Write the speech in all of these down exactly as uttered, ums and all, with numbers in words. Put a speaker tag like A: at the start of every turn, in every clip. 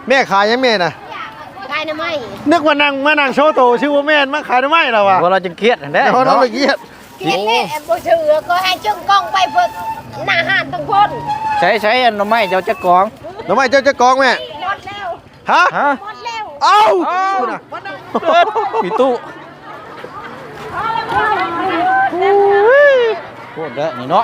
A: แม่ขายยังแม่น่ะ
B: ขายน้ำไม้
A: นึกว่านั่งมานั่งโชว์โตชื่อว่าแม่มาขายน้ำไม้เราอะ
C: ว่าเราจะเครียดแน่
A: เราต้องไปเครียด
B: เกลียดเลยบ่ถือก็ให้จึงกล้องไปเพิ่นหน้าห้านทั้งคน
C: ใช้ใช้อันน้ำไม้เจ้าจะกอง
A: น้ำไม้เจ้าจะกองแม่
B: หมดแล้ว
A: ฮะ
C: ฮะ
B: หมดแล้ว
A: เอ้า
C: มีตู้พูดเด้อนี่เนาะ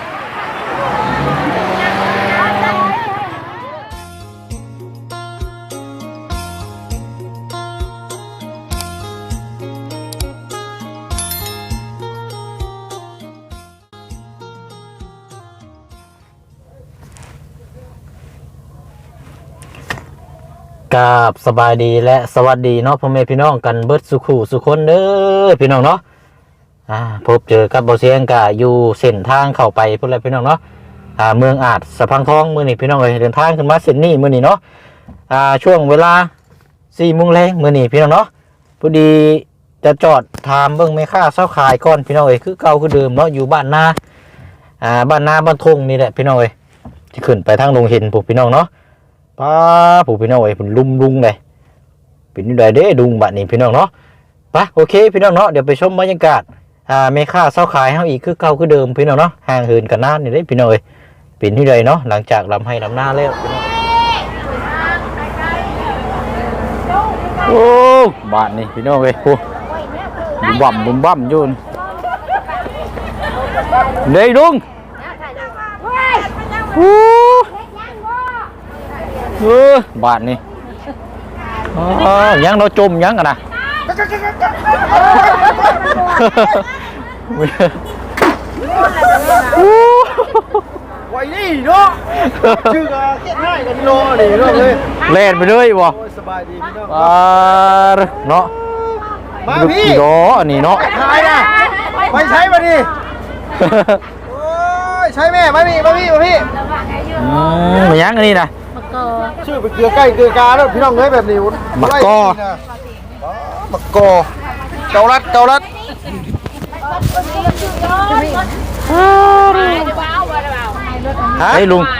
C: กราบสบายดีและสวัสดีเนาะพ่อแม่พี่น้องกันเบิดสุขุสุคนเด้อพี่น้องเนาะอ่าพบเจอกับบ่เสียงกะอยู่เส้นทางเข้าไปพุ่นแหละพี่น้องเนาะอ่าเมืองอาจสะพังทองมื้อนี้พี่น้องเอ้ยเดินทางขึ้นมาเส้นนี้มื้อนี้เนาะอ่าช่วงเวลา สี่โมงแลงมื้อนี้พี่น้องเนาะพอดีจะจอดถามเบิ่งแม่ค้าเช้าขายก่อนพี่น้องเอ้ยคือเก่าคือเดิมเนาะอยู่บ้านนาอ่าบ้านนาบ้านทงนี่แหละพี่น้องเอ้ยที่ขึ้นไปทางดงเห็นพวกพี่น้องเนาะป้าผู้พี่น้องไอ้ผมลุมลุงเลยเป็นนี่ได้เด้ดุงบัดนี้พี่น้องเนาะไปโอเคพี่น้องเนาะเดี๋ยวไปชมบรรยากาศอ่าเมค่าเศร้าขายเฮาอีกคือเก่าคือเดิมพี่น้องเนาะห่างเหินกันนานนี่ได้พี่น้องเอ้ยเป็นที่ใดเนาะหลังจากลำให้ลำหน้าแล้วโอ้บาดนี่พี่น้องเอ้ยโอ้บุ้มบั่มบุ้มบั่มอยู่เด้ดุงโอ้เออบาทนี่อ๋อยังเราจมยังกันนะ
A: ไว้นี่เนาะชื่อก็เก็บง่ายกันโลนี่เนาะเลย
C: เล่นไปเลยบ่
A: สบายดีพี่น้อง
C: อ่าเนาะ
A: มาพี่
C: โดอันนี้เนาะ
A: ขายนะไปใช้มาดิโอ้ยใช้แม่มาพี่มาพี่มาพี่
C: อืมยังอันนี้นะ
A: ชื่อไปเกลือใกล้เกลือกาแล้วพี่น้องเอ้ยแบบนี้
C: มักกอ
A: มักกอเกาลัดเกาลัด
C: เฮ้ยลุง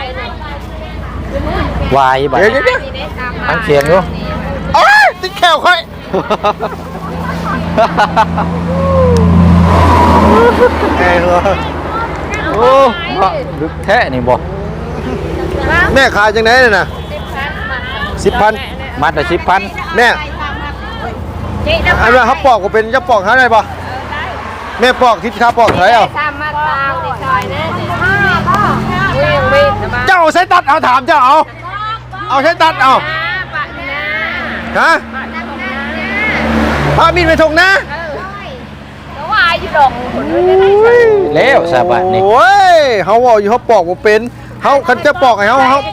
C: วายบัด
A: เดี๋ยวเดี๋ยว
C: ตั้งเสียงอยู่
A: โอ้ยติดแขวค่อยแน่เลย
C: โอ้ลึกแท้นี่บ่
A: แม่ขายจังไหนเนี่ยนะสิบพัน
C: มัดละสิบพัน
A: แม่อันนี้เขาปอกก็เป็นจะปอกหาได้ปะแม่ปอกทิศข้าปอกเท่าไหร่เอาเจ้าใช้ตัดเอาถามเจ้าเอาเอาใช้ตัดเอาฮะพามีดไปถงนะ
C: แล้วสบายนี่
A: โอ้ยเขาบอกอยู่เขาปอกว่าเป็นเขาคันจะปอกไงเขาเขา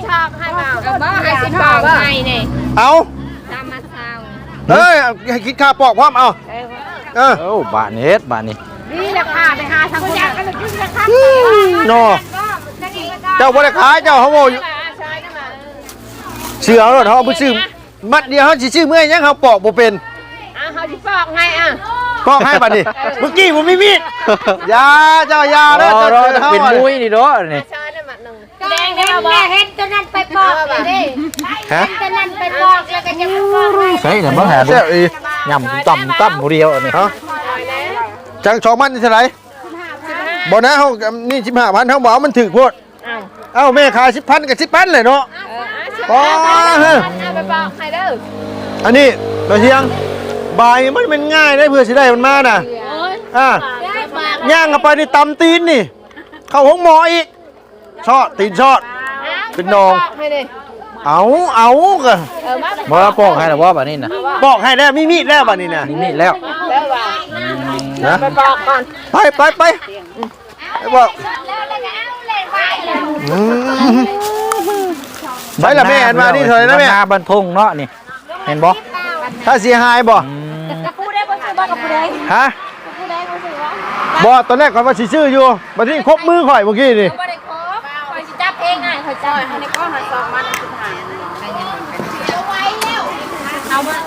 A: เอาเฮ้ยให้คิดค่าปอกพร้อมเอาเออ
C: โอ้บาทนี้เฮ็ดบาทนี้
B: นี่ราคาไปหาทางคนอยากกันเลยราคา
A: โน่เจ้าบริขายเจ้าเขาบอกอยู่เชื่อเขาเขาไปซื้อมัดเดียวเขาชื่อเมื่อยังเขาปอกบ่เป็น
B: อ่ะเขาจะปอกไงอ่ะ
A: ปอกให้บัดนี้เมื่อกี้ผมมีมีดยาเจ้ายาแล้วเจ้า
C: เป็นมุ้ยนี่เนาะนี่
B: แดงได้บ่เห็นตัวนั้นไปปอกดิเห็นตัวนั้นไปปอกแล้วก็จะปอกให้
C: ใช่แต่เมื่อหาดูยำต่ำต่ำผู้เดียวนี่
A: ฮะจังสองพันนี่เท่าไหร่บ่นะเขานี่สิบห้าพันเขาบอกมันถึกโพดเอ้าแม่ขายสิบพันกับสิบพันเลยเนาะอ๋อฮะ
B: ไปปอกให้เด้อ
A: อันนี้เราเชียงใบมันเป็นง่ายได้เพื่อสิได้มันมาน่ะอ่ะย่างกันไปนี่ตำตีนนี่เข้าห้องหมออีกชอดตีนชอดเป็นนองเอาเอากะ
C: บ่ปอกให้หรอว่าแบบนี้นะ
A: ปอกให้แล้วมีมีดแล้วแบบนี้นะ
C: มีมีดแล้ว
A: นะ
B: ไปปอกก่อน
A: ไปไปไปไปบอกไปละแม่อันมานี่เถอะนะแม่
C: บรรทงเนาะนี่เห็นบ่
A: ถ้าเสียหายบ่ฮะบ่ตอนแรกก่อนว่าสิซื้ออยู่บัดนี้ครบมือข่อยเมื่อกี้นี่
B: จับเองไงเขาจับในก้อนหันสองมันสุดท้ายเอาไว้แล้วเอามา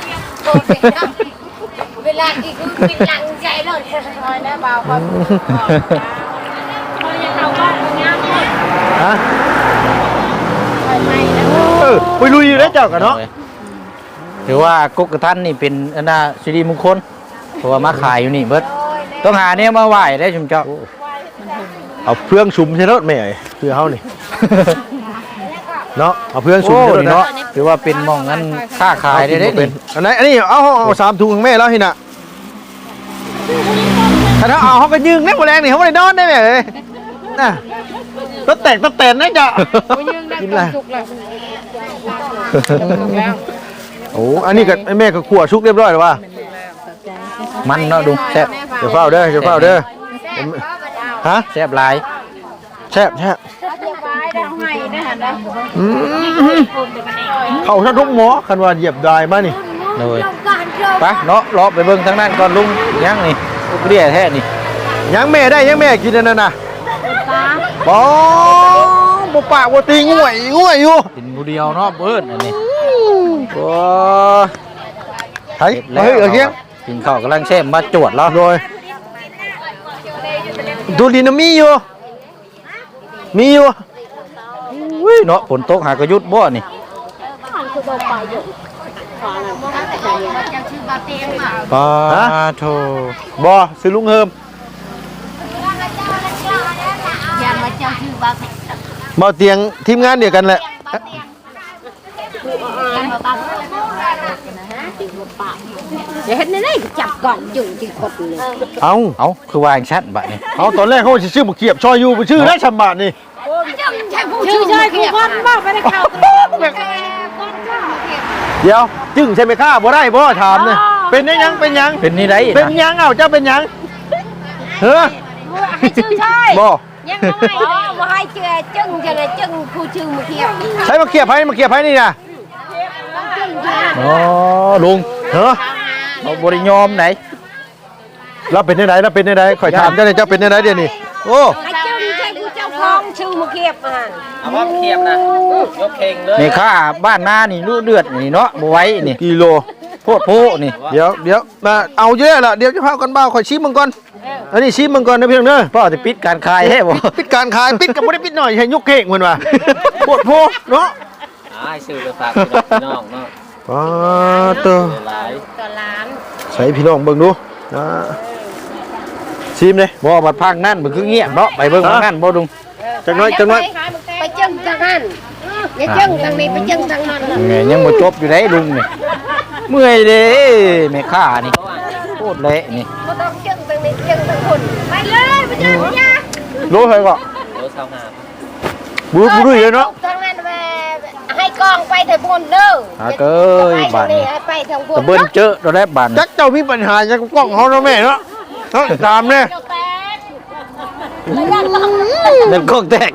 B: เวลาอีกคือเป็นหลังใจเลยคอยนะเบาคอยคอยยังเอาว่าง่ายฮะคอยไม่นะ
A: อไปลุยอยู่แล้วเจ้ากันเนาะ
C: ถือว่ากกกระทันนี่เป็นอันน่ะสิริมงคลเพราะว่ามาขายอยู่นี่เบิดต้องหาเนี่ยมาไหว้ได้ชุมเจ้า
A: เอาเพื่องชุมใช่รถแม่เอ้ยเพื่อเฮานี่ เนาะเอาเพื่องชุม
C: โอ้
A: ใช่รถ
C: นี่
A: เนาะ
C: เนาะถือว่าเป็นหมองงั้นค้าขายได้ได้
A: เป็
C: นี่
A: นอันไหนอันนี้เอาเอาเอาสามถุงของแม่แล้วหิน่ะถ้าเขาเอาเขาก็ยืงได้หมดแรงนี่เขาไม่ได้นอนได้ไหมเอ้ยน่ะต้นแตกต้นแตนนะจ๊ะกินอะไรโอ้อันนี้กับแม่ก็ขั่วชุกเรียบร้อยแล้วว่ะ
C: มันเนาะดุแซ่บ
A: เดี๋ยวเฝ้าเด้อเดี๋ยวเฝ้าเด้อผมฮะ
C: แซ่บหลาย
A: แซ่บแซ่บ
B: เรียบร้อยได้ให้ได้หันได้
A: อืมเขาท่านทุกหมอคันว่าเหยียบได้มานี่
C: เลยไปเนาะรอไปเบิ่งทางนั้นก่อนลุงยังนี่เรียแท้นี่
A: ยังแม่ได้ยังแม่กินอันนั่นน่ะบอบ่ปากบ่ตีง่วยง่วยอยู่
C: กินผู้เดียวเนาะเบิ้นอันนี้โอ้
A: เฮ้ยเฮ้ยเอาเคียง
C: กินข้าวกำลังแช่มมาจวดแล้ว
A: โดยดูดินมีอยู่มีอยู่
C: อุ้ยเนาะฝนตกหากระยุดบ่นี่ปาโท
A: บ่ซื้อลุงเฮิม
B: ยันมาเจ้าชื่อบ้า
A: บ่เตียงทีมงานเดียวกันแหละ
B: เดี๋ยวเห็นในนี่จับกล่องจุ่มจีกดเลย
A: เอา
C: เอาคือวางชัดบัดนี่
A: เอาตอนแรกเขาสิชื่อบ่เขียบชอยอยู่บ่ชื่อได้ฉ่ำบาทนี่
B: ชื่อใช่กูคนบ้าไปได้ข่าว
A: เดี๋ยวจึงใช่ไหมข้าบ่ได้บ่ถามนี่เป็นได้ยังเป็นยัง
C: เป็นนี่ได้
A: เป็น
C: นะ
A: ยังเอ้าเจ้าเป็นยังเฮ้อ
B: ให้ชื่อใช่
A: บ่
B: ยังไม่ว่าให้เชื่อจึงจะเลยจึงผู้ชื่อมาเทียบ
A: ใช้มาเขียบให้มาเขียบให้นี่นะ
C: อ๋อลุง
A: เฮ้อ
C: เอาบริยอมไหน
A: เราเป็นได้ไหนเราเป็นได้ไหนข่อยถามเจ้าเนี่ยเจ้าเป็นได้ไหนเดี๋ยวนี้โอ้
B: ให้จึงใช่ผู้เจ้าของชื่อมาเทียบอ่ะ
D: เอาว่าเทียบนะยกเข่งเลย
C: นี่ข้าบ้านหน้านี่ลูกเดือดนี่เนาะบ่ไหว้นี่
A: กิโล
C: โพดโพนี่
A: เดี๋ยวเดี๋ยวมาเอาเยอะละเดี๋ยวจะพากันบ้าข่อยชิมมังก่อนอันนี้ชิมมังก่อนนะพี่น้องเด้อ
C: พ่อจะปิดการขายให้บ่
A: ปิดการขายปิดกับบ่ได้ปิดหน่อยให้ยกเข่งเหมือนว่าปวดโพเนาะ
D: อ่าซื้อไปฝากพี่น้องเนาะ
A: ป้าตัว
D: หลาย
B: ต่อล้าน
A: ใส่พี่น้องเบิ่งดูนะชิมเลย
C: บ่บัดพังนั่นมันคือเงียบเนาะไปเบิ่งทางนั้นบ่ดุง
A: จังน้อยจังน้อย
B: ไปจึงทางนั้นอย่าจึงทางนี้ไปจึงทางนั้น
C: แม่ยังบ่จบอยู่ได้ลุงนี่เมื่อยเด้แม่ค้านี่โคตรเละนี่
B: ไม่ต้องจึงทางนี้จึงทางคนไปเลยไปจึงยา
A: รู้ใครก็
D: โลสาวหา
A: บูบูดูอยู่เนาะ
B: ทางนั้นไปให้กองไปเถอะบุญเด้อ
C: หาเก้ยบ้านนี้
B: ให้ไปทางบุญ
C: ตะเบิ่นเจอตัวแรกบ้าน
A: จักเจ้ามีปัญหาจักกล้องเฮาเนาะแม่เนาะเนาะตามเนี่ย
C: เล่นกล้องแตก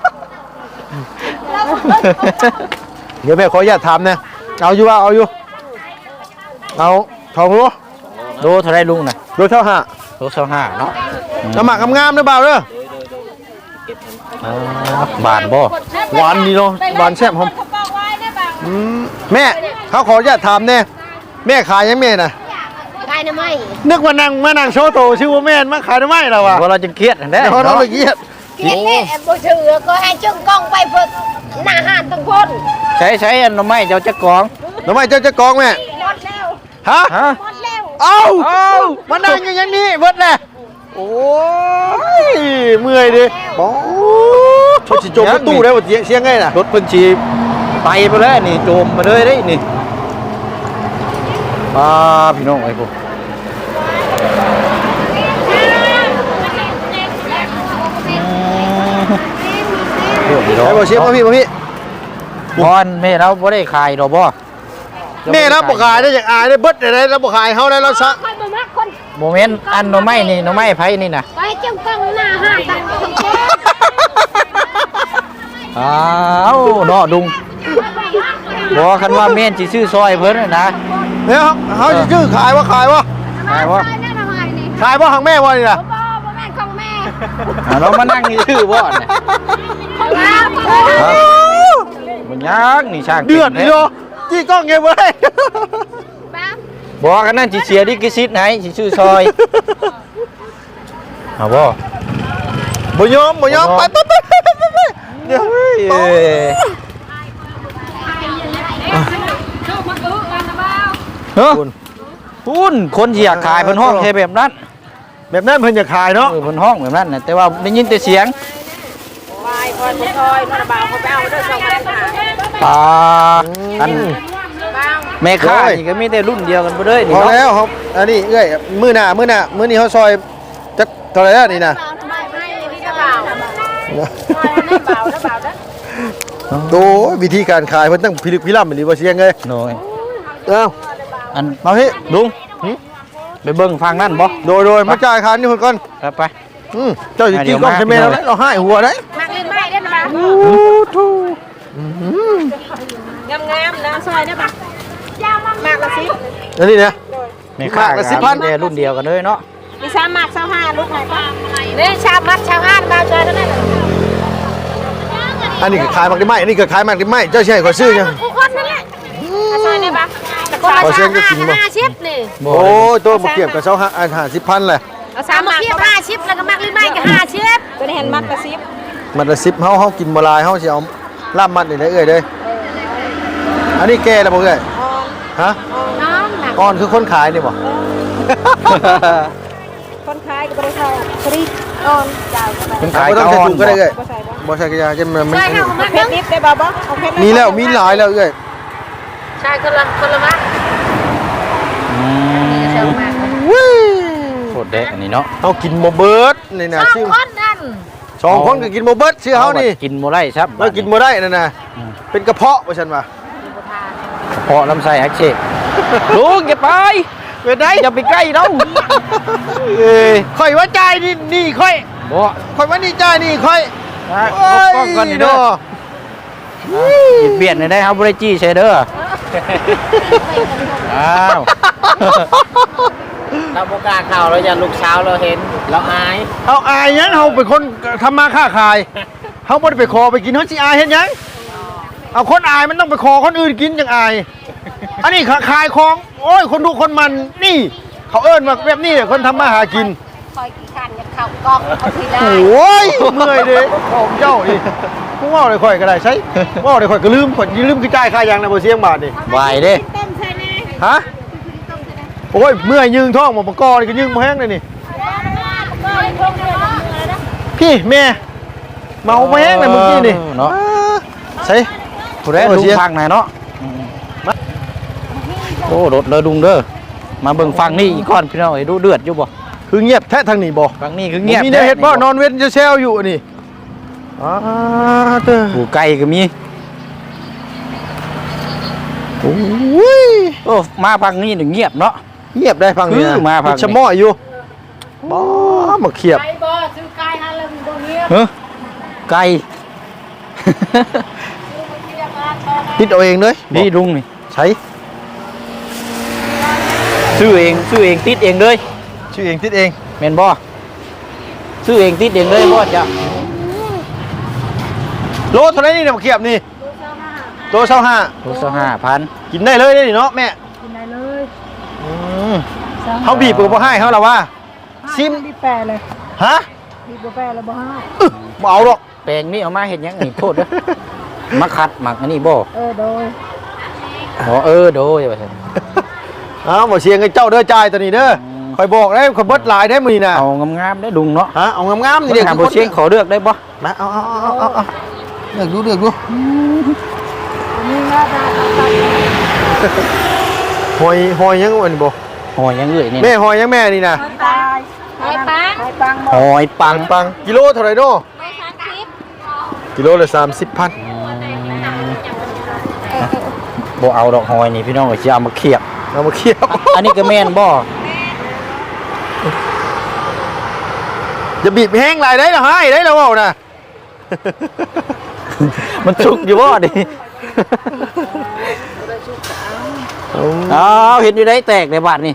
A: เดี๋ยวแม่ขออนุญาตถามนะเอาอยู่ว่าเอาอยู่เอาทองรู้
C: โลเท่าไรลุงน่ะ
A: รู้เท่าห้า
C: โลเท่าห้าเนาะ
A: น้ำหมักงามๆนะเบาเด้อ
C: อ๋อบ้านบ่
A: หวานดีเนาะหวานแซ่บหอมอืมแม่เขาขออนุญาตถามแน่แม่ขายยังแม่น่ะ
B: กายน้ำไม่
A: นึกว่านั่งมานั่งโชว์โตชื่อว่าแม่นมาขายทำไมล่ะวะ
C: ว่าเราจะเครียดอันแด้
A: เดี๋ยวเรา
C: เนาะ
A: ละเอียด
B: เกียรติแม่บ่ถือก็ให้จึงกองไปเพิ่นหน้าห้านทั้งคน
C: ใช้ใช้อันหน่อไม้เจ้าจะกอง
A: ทำไมเจ้าจะกองแม่
B: หมดแล้ว
A: ฮะ
C: ฮะ
B: หมดแล้ว
A: เอ้าเอ้ามานั่งอยู่อย่างนี้เบิดแหละโอ้ยเมื่อยดิบอชดสิโจมประตูได้บ่เสียงเสียงไงน่ะ
C: รถเพิ่นชีไปไปแล้วนี่โจมมาเลยได้นี่มาพี่น้องไอ้พวก โอ้ย
A: ไป
C: เนาะ
A: บ่เสียงมาพี่มาพี่
C: บอนแม่เราบ่ได้ขายดอกบ่
A: แม่รับบ่ขายได้อย่างอายได้เบิดได้แล้วบ่ขายเฮาได้แล้วซะ
B: ค่อยบ่มักคน
C: โมเมนต์อันหน่อไม้นี่หน่อไม้ไผนี่น่ะ
B: ไปจึงกองหน้าห้านทั้งคน
C: อ้าวเนาะดุงบ่คันว่าแม่นสิซื้อซอยเพิ่นน่ะนะ
A: เนี่ยเฮาสิชื่อขายวะขายวะ
C: ขายบ่
B: นั่นทำไมนี่
A: ขายบ่ทางแม่บ่นี่น่ะ
B: บ่บ่แม่นของแม่
C: อ่าเรามานั่งนี่ชื่อบ่เนี่ย
B: ของเรา
C: มันยังนี่ช่าง
A: เดือดนี่เนาะจี้กล้องไงเว้ย
B: บ้า
C: บ่กันนั่นสิเสียดิกิซิตให้สิซื้อซอยเอาบ่
A: บ่ยอมบ่ยอมไปไปไปไปไปเดี๋ยว
C: เอ้ยเฮ้ย
A: คุณ
C: พุ่นคนสิอยากขายเพิ่นห้องแค่แบบนั้น
A: แบบนั้นเพิ่นจะขายเนาะ
C: เออเพิ่นห้องแบบนั้นน่ะแต่ว่าได้ยินแต่เสียง
B: วายคอยคอยนอนบ่าวเขาไปเอาเด้อสองพันห้า
C: ปลาอัน
B: บ้าง
C: แม่ค้านี่ก็มีแต่รุ่นเดียวกันบ่เด้ยนี่
A: พอ
C: เนาะ
A: แล้วครับอันนี้เอ้ยมื้อหน้ามื้อหน้ามื้อนี้เขาซอยจักเท่าไหร่แล้วนี่นะ
B: ไม่ไม่นี่จะบ่าวคอยนั่นบ่าวแล้วบ่าวเด้อ
A: โตวิธีการขายเพิ่นต้องพิลึกพิลั่นเหมือนบ่เสียงเลย
C: โน้ย
A: เอ้า
C: อัน
A: มาพี่
C: ลุงไปเบิ่งฟังนั่นบ่
A: โดยโดยมาจ่ายค่านี่เพิ่นก่อน
C: ไปไป
A: อืมเจ้าสิ
C: เดี๋
A: กิน
C: ยว
A: กล้อง
C: มา
A: ใช่ไหมแล้วเราให้หัวได้
B: มักลิ้นไม้ได้นะงามงามนะซอยได้ปะมากละสิ
A: อันนี้นะ
C: แม่ค้า
A: มากั
C: ก็
A: บสิบพัน
C: มีแต่รุ่นเดียวกันเลยเนาะ
B: มีสามมากสามห้าลูกไหนปะนี่ชาวมัดชาวห้านมาเจอแล้วนั่น
A: อันนี้ก็ขายมักได้ไหมอันนี้ก็ขายมักได้ไหมเจ้าสิให้ขอยซื้อยัง
B: ทุกคนนั่นแหละซอยได้ปะคนละชาวห้าห้าชิปนี่
A: โอ้ยตัวบ่เกี่ยวกับเจ้าห้าอันห้าสิบพันแหละ
B: เอาสามมากห้าชิปแล้วก็มักลิ้นไม้ก็ห้าชิปก็ได้เห็นมัดกระซิบ
A: มันละสิบเฮาเฮากินบ่หลายเฮาสิเอาลาบมัดนี่ได้เอ้ยเด้ออันนี้แก่แล้วบ่เอ้ยฮะ
B: น้องหนัก
A: อ่อนคือคนขายนี่บ่
B: คนขายก็ไม่ได้ใส่ฟรีอ่อนเจ้าก็ได้
C: เป็น
A: ขา
C: ขาย ย
A: ต้อง
C: ก้
A: ใส่
C: อน
A: ถุงก็ได้เอ้ย
B: ก็ใส่บ้าง
A: บ่ใส่กระยาจะมันมัน
B: ใช่ค่ะมัดเพชรดิบได้บ่บ่เอาเพชร
A: มีแล้วมีหลายแล้วเอ้ย
B: ใช่คนละคนละมัด
C: อืม
B: เชิงมาก
A: วิ้
C: โคตรเด็กอันนี้เนาะ
A: เฮากินบ่เบิดนี่นะ
B: สอง
A: ชื่อ
B: คนนั่น
A: สองคนก็กินบ่เบิดชื่อเฮานี่
C: กินบ่ได้ครับ
A: เรากินบ่ได้นั่นน่ะเป็นกระเพาะว่าซั่นว่า
C: เพาะลำไส้อักเสบลุงอย่าไป
A: เป็นได
C: อย่าไปใกล้เรา
A: เอ้ยข่อยว่าจ่ายนี่นี่ข่อย
C: บ่
A: ข่อยว่านี่จ่ายนี่ข่อย
C: พบกล้องก่อนนี่เด้อหยิบเบียดหน่อยได้ครับบ่ได้จี้ใช่เด้ออ้าว
D: เราโอกล้าเข้าเราอย่าลูกเช้าเราเห็นเราอาย
A: เอาอายหยังเฮาเป็นคนทำมาค้าขายเฮาบ่ได้ไปขอไปกินเฮาสิอายเฮ็ดหยังเอาคนอายมันต้องไปขอคนอื่นกินจังอาย อันนี้ขายของโอ้ยคนดูคนมันนี่ เขาเอิ้นว่าแบบนี้คนทำมาหากิน
B: คอยกี่คันจะเข้ากล้องเอาทีได้
A: โอ้ยเมื่อยเด้ของเจ้านี่กูเว้าได้ข่อยก็ได้ใช่เว้าได้ข่อยก็ลืมข่อยลืมคือจ่ายค่ายางนะบ่เสียงบาทนี่
C: ไหวเด้
B: ต้มใช่ไหม
A: ฮะโอ้ยเมื่อยยืงท้องบ่ประกอบนี่ก็ยืงบ่แห้งเลยนี่
B: ก็คงเดือด
A: พี่แม่เมาบ่แห้งเลยเมื่อกี้นี่
C: เนาะ
A: ใช่
C: ผู้ใดลุงฟังไหนเนาะโอ้รถเลยลุงเด้อมาเบิ่งฟังนี่อีกก่อนพี่น้องไอ้ดูเดือดอยู่บ่
A: คือเงียบแท้ทางนี้บ่
C: ฟังนี่คือเงียบ
A: มีได้เฮ็ดบ่นอนเว้นจะแซวอยู่นี่อ้าเด้อ
C: ผู้ไก่ก็มี
A: โอ้ย
C: โอ้มาฟังนี่นี่เงียบเนาะ
A: เงียบได้ฟังนี่นะ
C: คือมาฟังนี่
A: ชะม้อยอยู่บ่มาเขียบ
B: ไก่บ่ซื้อไก่ฮะเริ่มตรงนี้
C: เฮ้อไก่
A: คิดเอาเองเลย
C: นี่ลุงนี่
A: ใช้
C: ซื้อเองซื้อเองติดเองเลย
A: ชื่อเองติดเอง
C: แม่นบ่ซื้อเองติดเองเลยบ่จ้ะ
A: โลเท่าไหร่นี่เนี่ยมาเขียบนี่โลเท่าห้า
C: โลละห้าพัน
A: กินได้เลยได้นี่เนาะแม่
B: กินได้เลย
A: อืมเขาบีบก็บ่ให้เขาละว่าซิม
B: บีบแปรเลย
A: ฮะ
B: บีบแปรเลยบ่ให้
A: อึบ่เอาหรอก
C: แปลงนี่เอามาเฮ็ดหยังนี่โทษเด้อมาคัดหมักอันนี้บ่
B: เออโดย
C: อ๋อเออโดยว่าซั่น
A: อ้าวบ่เสียงให้เจ้าเด้อจ่ายตัวนี้เด้อคอยบอกได้คอยเบิดหลายได้มื้อนี้น่ะ
C: เอางามๆได้ลุงเนาะ
A: ฮะเอางามๆนี่
C: เดี๋
A: เด้
C: ยวถามบ่เชียงขอเลือกได้บ่
A: มาเอาเอาเอาเอาเอาเลือกดูเลือกดู
B: นี่หน้าตาตัด
A: หอยหอยยังอันนี้บ่
C: หอยยังเอ้ยนี่
A: แม่หอยยังแม่นี่น่ะ
B: ตายไอ้ปังไอ้ปัง
C: หอยปัง
A: ปังกิโลเท่าไหร่เนาะ
B: ไม่คันคลิป
A: กิโลละสามสิบพัน
C: บ่เอาดอกหอยนี่พี่น้องก็สิเอามาเคียบ
A: เอามาเคี่ยว
C: อันนี้ก็แม่นบ่
A: อย่าบีบแห้งหลายได้ละให้ได้แล้วเว้าน่ะ
C: มันสุกอยู่บ่ดิอ้าวเห็นอยู่ได้แตกในบาดนี่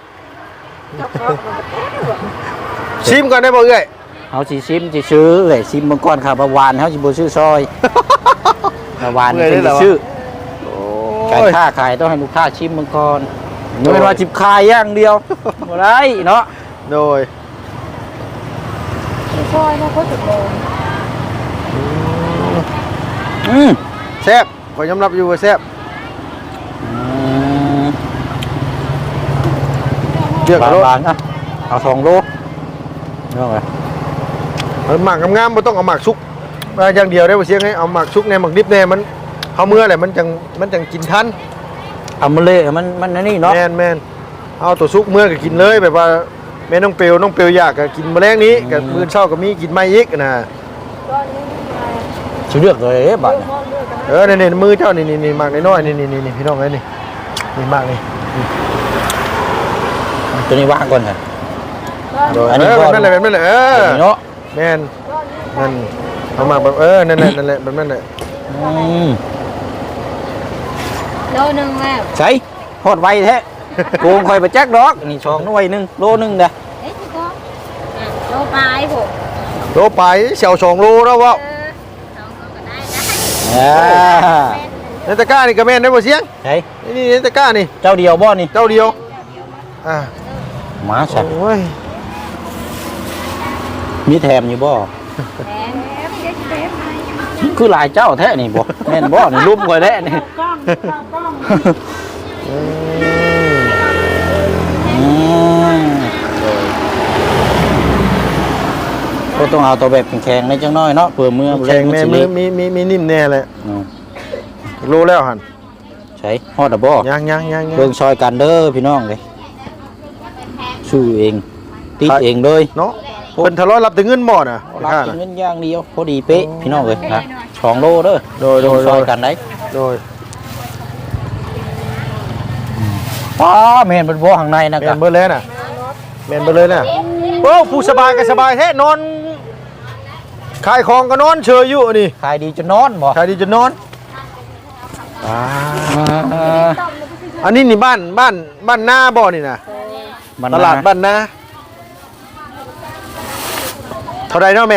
A: ชิมก่อนได้บ่เอ้ย
C: เฮาสิชิมสิซื้อเอ้ยชิมเบิ่งก่อนครับว่าวานเฮาสิบ่ซื้อซอยว่าวานนี่เป็นสิซื้อการค้าขายต้องให้ลูกค้าชิมเบิ่งก่อนบ่แม่นว่าจิบขายอย่างเดียวบ่ได้เนาะ
A: โดย
B: ซอยนะเขาจะโดน
C: อืม
A: แซ่บขอยยอมรับอยู่ว่าแซ่บเลือก
C: บาง
A: รถ
C: บางๆอ่ะเอาสองโลเนาะ
A: เอาหมักงามๆบ่ต้องเอาหมักซุกมาอย่างเดียวได้บ่เสียงให้เอาหมักซุกแน่หมักดิบแน่มันเฮาเมื่อแหละมันจังมันจังกินทัน
C: เอามันเละมันมันอันนี่เนาะ
A: แม่นแม่นเอาตัวซุกเมื่อก็กินเลยแบบว่าแม่น้องเปียวน้องเปียวอยากก็กินมื้อแลงนี้ก็มื้อเช้าก็มีกินใหม่อีกนะ
C: สิเลือกเลยเด้บัดน่ะ
A: เออนี่ๆมือเจ้านี่นี่ๆหมักน้อยๆนี่ๆๆพี่น้องเอ้ยนี่นี่หมักนี่
C: ตัวนี้วางก่อนค่ะ
A: โดย
C: อันนี้
A: เออ
C: ก็
A: แบบนั้นแหละแบบนั้นแหละเออ
C: ตัวนี้เนาะ
A: แม่นนั่นเอาหมักแบบเออนั่นแหละนั่นแหละแบบนั้นแหละ
C: อืม
B: โลนึงแล้ว
C: ใช่ฮอดไวแท้ โกงคอยไปแจ็คดอกนี่ช่องหน่วยหนึงโลหนึงเด้อ
B: เอ๊ะพี่ก็โลปลายผม
A: โลไปเสี่ยวสองโลแล้ววะ
B: เออสองโลก็ได้นะ
C: อ่า
A: ในตะกร้านี่ก็แม่นได้บ่เสียง
C: ใช่
A: นี่ในตะกร้านี่
C: เจ้าเดียวบ่นี่
A: เจ้าเดียวอ่า
C: มาสัก
A: โอ้ย
C: มีแถมอยู่บ่
B: แหมไม่ได้เต็ม
C: คือหลายเจ้าแท้นี่บ่แม่นบ่นี่รูปคอยแท้นี่
A: อืม
C: อืมก็ต้องเอาตัวแบบแข็งๆในจังน้อยเนาะเพื่อมือ
A: แข็งแม่มือมีมีมีนิ่มแน่เลย
C: อืม
A: รู้แล้วหัน
C: ใช่ฮอดอะบ่
A: ยังยังยังยัง
C: เบิ่งซอยกันเด้อพี่น้องเลยสู้เองติดเองเลย
A: เนาะเพิ่นทะเลาะรับแต่เงินหมดอ่ะ
C: รับ
A: ค่า
C: กิน
A: น่ะ
C: เงินอย่างเดียวพอดีเป๊ะพี่น้องเลยนะสองโลเด้อ
A: โดยโดย
C: ซอย
A: โดย
C: กันได้
A: โดย
C: ป้าแม่นเป็นบ่ข้างในนะ
A: แม่
C: ครั
A: น
C: บ
A: เบิดเลยน่ะแม่นเบิดเลยน่ะโอ้ผู้สบายก็สบายแท้นอนขายของก็นอนเฉยอยู่นี่
C: ขายดีจนนอนบ่
A: ขายดีจะนอนอ่า
C: อ่า
A: อันนี้นี่บ้านบ้านบ้านนาบ่นี่น่ะ
C: มัน
A: ตลาดบ้านนาเท่าไรเนาะแม่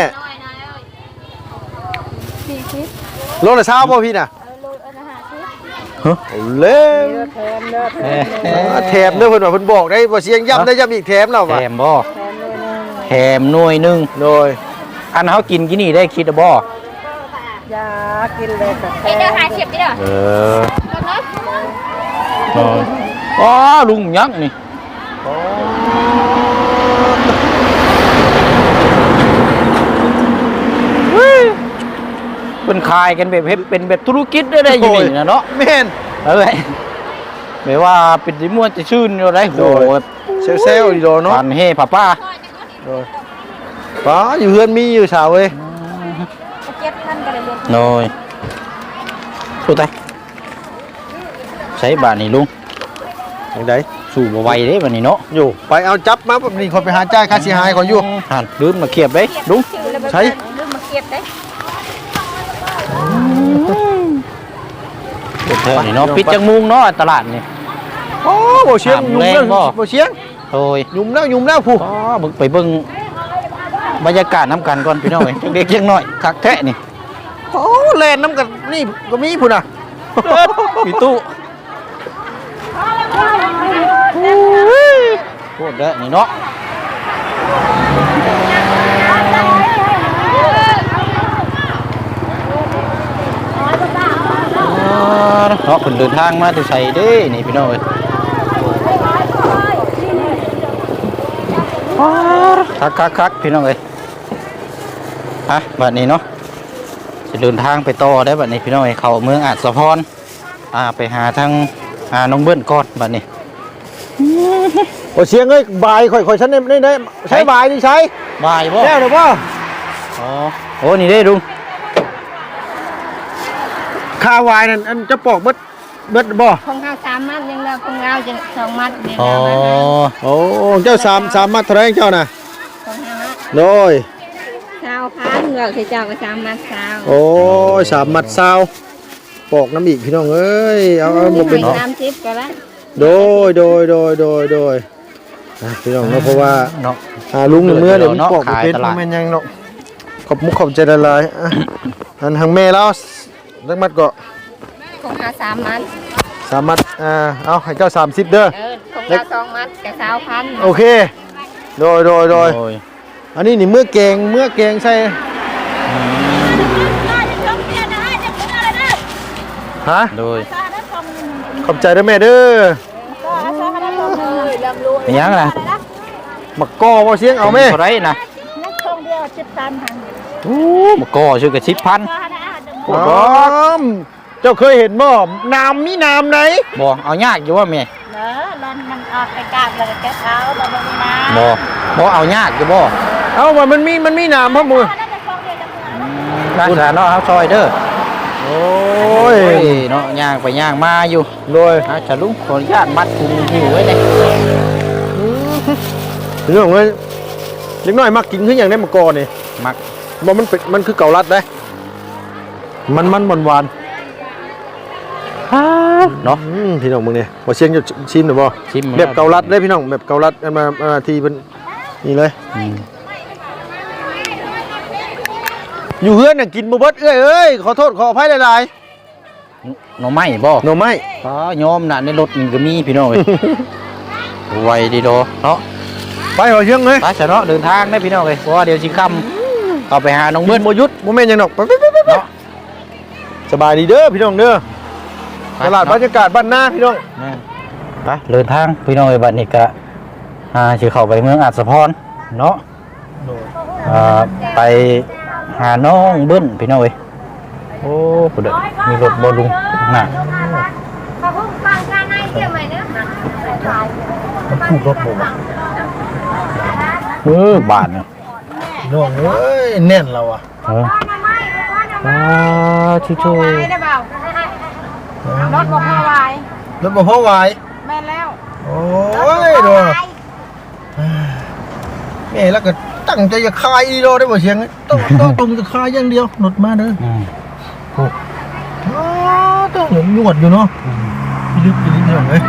B: สี่สิบ
A: โลละเช้าบ่พี่น่ะ
B: เออโลอันละห้าสิบ
A: เอาเล่ม
B: แถมเด้อแถม
C: เอ้ย
A: แถมเด้อเพิ่นว่าเพิ่นบอกได้บ่เสียงย้ำได้ย้ำอีกแถมแล้ว
C: แถ
A: ว่ะ
C: มบ่
B: แถมเลยนึง
C: แถมหน่วยหนึง
A: โดย
C: อันเฮากินกินนี่ได้คิดอะบ่
B: ยากินเลยกับแถมเด้อห้าสิบเด้อ
C: เออ
B: รถเนาะ
C: เอออ๋อลุงยักษ์นี่เป็นขายกันแบบเฮ็ดเป็นแบบธุรกิจได้ได้อยู่นี่นะเนาะ
A: แม่น
C: เอ้ยไม่ว่าเป็นดิม่วนจะชื่นอยู่ได้โห
A: โดย เซลล์ดีโดเนาะ
C: ปานเฮป้าป้า
A: โดยป๋าอยู่เฮือนมีอยู่สาวเว้ย
B: เจ็ดพันก็ได้รวม
C: โน้ยสู้ตายใช้บาทนี่ลุง
A: จังได๋
C: สู้บ่ไหวเด้บัดนี้เนาะ
A: อยู่ไปเอาจับมาแบบนี้คนไปหาจ่ายค่าเสียหายเขาอยู่
C: หันลืมมาเขียบเด้ลุง
A: ใช้
B: ลืมมาเก็บได้
C: เดี๋ยวเธอนี่เนาะปิดจังมุงเนาะตลาดนี่
A: โอ้บ่เชียง
C: ถาม
A: ยุ่ม
C: แร
A: แล้ว
C: งบ่
A: บ่เชียง
C: โอ้ย
A: ยุ่มแล้วยุ่มแล้วผู้
C: อ๋อบึกไปเบิ่งบรรยากาศน้ำกันก่อนพี่น้องเอ้ยเด็กๆยังน้อยคักแท้นี่
A: โอ้แล่นน้ำกันนี่ก็มีพุ่นน่ะ
C: มีตู้โคตรเด้อนี่เนาะอ๋อเนาะเพิ่นเดินทางมาแต่ไสเด้นี่พี่น้องเอ้ยคักคักคักพี่น้องเอ้ยฮะบัดนี้เนาะจะเดินทางไปต่อได้บัดนี้พี่น้องเอ้ยเข้าเมืองอาจสะพรอ่าไปหาทางอ่าน้องเบิ้ลก่อนบัดนี้
A: โอ้เชียงเอ้ยบายข่อยข่อยฉันได้ได้ใช้บายนี่ใช้
C: บายบ่
A: แล้วเด้อบ่
C: อ๋อโอ้นี่ได้ลุง
A: ค่าวายนั่นอันจะปอกเบิดเบิดบ่
B: ของเราสามมัดยังเราของเราจะสองมัดเดียว
C: อ๋อ
A: โอ้เจ้าสามสามมัดเท่าไหรเจ้าน่ะ
B: ของห้ามัด
A: โดย
B: เช้าพันเราจะเจ้าก็สามมัดเช้า
A: โอ้ยสามมัดซาวปอกน้ำอีกพี่น้องเอ้ยเอาเอาบ่เป็น
B: สามสิบก็แล้ว
A: โดยโดยโดยโดยโดยอ่ะพี่น้องเนาะเพราะว่า
C: เนาะ
A: อ่าลุงหนึ่งเมื่อเดี๋ยวมัน
C: เนาะ
A: ปอกบ่เป็น
C: ขายตลาด
A: มันเป็นยังเนาะขอบมุกขอบใจละลายอ่ะอันทางแม่แล้วจักมัดก็
B: ของเราสามมัด
A: สามมัดอ่าเอาให้เจ้าสามสิบเด้อ
B: เออของเราสองมัดกับเช้าพัน
A: โอเคโดยโดยโดย
C: โอ้ย
A: อันนี้นี่เมื่อแกงเมื่อแกงใส่ฮะ
C: โดย
A: ขอบใจด้วยแม่เด้อ
C: เป็นยังล่ะ
A: มักกอบ่เสียงเอาแม่
C: เท่าไหรนะ
B: นักท่องเที่ยวชิดตันหัน
C: โอ้มกอชื่อกระชิบพัน
B: ก็ได้อาจจะ
C: โอ้
A: อ๋อ
C: บ่
A: เจ้าเคยเห็นบ่น้ำมีน้ำไหน
C: บ่เอายากอยู่ว่าแม่
B: เนอะรอนมันออกไปกลางเลยแกเท้าเราไม่มีน้ำ
C: บ่บ่เอายากอยู่บ่
A: เอ้าว่ามันมีมันมีน้ำพ่อมือ
B: น่าจะท่องเที่ยวจังเลย
C: ร้านสาเนาะเฮาซอยเด้อ
A: โอ้
C: โอ้
A: ย
C: ยเนาะย่างไปย่างมาอยู่
A: โดย
C: ฮะฉลุงขออนุญาตมัดถุงหิวไว้เนี่ย
A: เรื่องเลยเล็กน้อยมักกินคืออย่างนี้มักกอนี่
C: มัก
A: บ่มันเป็นมันคือเกาลัดได้มันมันหวานหวาน
C: เนาะ
A: อืมพี่น้องมึงเนี่ยบ่เชียงจะชิมหรือบ่
C: ชิม
A: แบบเกาลัดได้พี่น้องแบบเกาลัดเอามาเอามาทีเป็นนี่เลย
C: อืม
A: อยู่เฮือนน่ะกินบ่เบิดเอ้ยเอ้ยขอโทษขออภัยหลาย
C: หน่อไม้บ่
A: ๆหน่อไม้
C: อ๋อยอมน่ะในรถมันก็มีพี่น้องเอ้ย ไวดีโดเนาะ
A: ไปบ่เชียงเลย
C: ไปซะเนาะเดินทางได้พี่น้องเอ้ยเพราะว่าเดี๋ยวสิค่ำเอาไปหาน้อง
A: เบิ้
C: เบิ้
A: ล
C: ล
A: บ่หยุดบ่แม่นหยังดอกไปไปไปไป
C: เนาะ
A: สบายดีเด้อพี่น้องเด้อตลาดบรรยากาศบ้านนาพี่น้อง
C: แม่นไปเดินทางพี่น้องเอ้ยบัดนี้ก็อ่าสิเข้าไปเมืองอาจสะพรเนาะอ่าไปหาน้องเบิ้ลพี่น้องเอ้ยโอ้ผู้เด้อมีรถบ่ลุงน่ะ
B: ขอบคุณฟังการให้เที่ยวใหม่เนื้อ
A: ถูกรถบ่วะ
C: เออบาทเนี่ย
A: พี่น้องเอ้ยแน่นแล้วอ่ะ
C: เอออ่าชิโช
B: วายได้เปล่ารถบอกว่าวาย
A: รถบ่พอไหว
B: แม่แล้ว
A: โอ้ยดูแม่แล้วก็ตั้งใจจะคายอีโลได้บ่เชียงต้องต้องตรงจะคายอย่างเดียวรถมาเด้อ
C: อืม
A: อ๋อต้องหนวดอยู่เนาะพี่ลึกพี่ลึกพี่น้องเอ้ย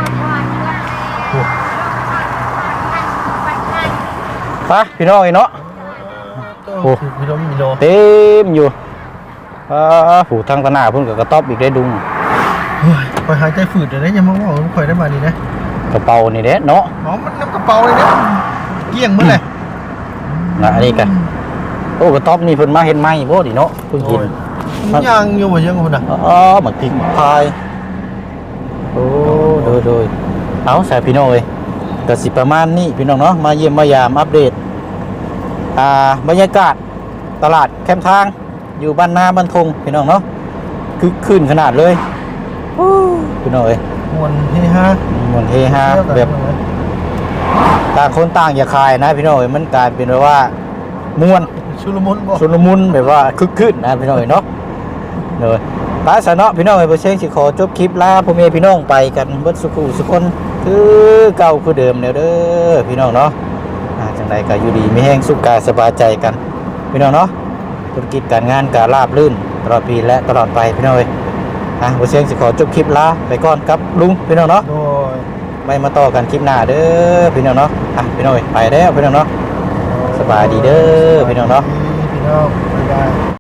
C: ไปพี่น้องไอ้เนาะ
A: โอ้พี่น้องมีโล
C: เต็มอยู่อ่าผูทางตะหนาเพิ่นก็กระต๊อบอีกได้ดุง
A: เฮ้ยคอยหายใจฝืดเดี๋ยวนี้ยังมาว่าคอยได้มาดีนะ
C: กระเป๋านี่เด้เนาะ
A: อ๋อมันน้ำกระเป๋าเลยเนี่ยเกลี้ยงมื้อเลย
C: นะอันนี้กันโอ้กระต๊อบนี่เพิ่นมาเห็นไหมบ่ดิเนาะเพิ่งกิน
A: มันยังอยู่บ่เชียงคนน่ะ
C: อ๋อหมักพริกหมักพายโอ้โดยโดยเอาใส่พี่น้องเอ้ยก็สิประมาณนี้พี่น้องเนาะมาเยี่ยมมายามอัปเดตอ่าบรรยากาศตลาดแคมป์ทางอยู่บ้านนาบ้านทงพี่น้องเนาะคือขึ้นขนาดเลยโอ้พี่น้องเอ้ย
A: มวนเฮฮา
C: มันเฮฮาแบบต่างคนต่างอย่าคายนะพี่น้องเอ้ยมันกลายเป็นแบบว่าม่วน
A: ชุลมุนบ่
C: ชุลมุนแบบว่าคึกคืนนะพี่น้องเอ้ยเนาะเลยตาสะเนาะพี่น้องเอ้ยบ่เชิงสิขอจบคลิปลาพ่อแม่พี่น้องไปกันเบิดสุขุสุคนคือเก่าคือเดิมแล้วเด้อพี่น้องเนาะอ่าจังไดก็อยู่ดีมีแห้งสุขกายสบายใจกันพี่น้องเนาะธุรกิจการงานก็ราบรื่นตลอดปีและตลอดไปพี่น้องเอ้ยอ่ะบ่เชิงสิขอจบคลิปลาไปก่อนครับลุงพี่น้องเนาะ
A: โดย
C: ไม่มาต่อกันคลิปหน้าเด้อพี่น้องเนาะอ่ะพี่น้องเอ้ยไปแล้วพี่น้องเนาะสบายดีเด้อพี่น้องเนาะ
A: พี่น้องบ๊ายบาย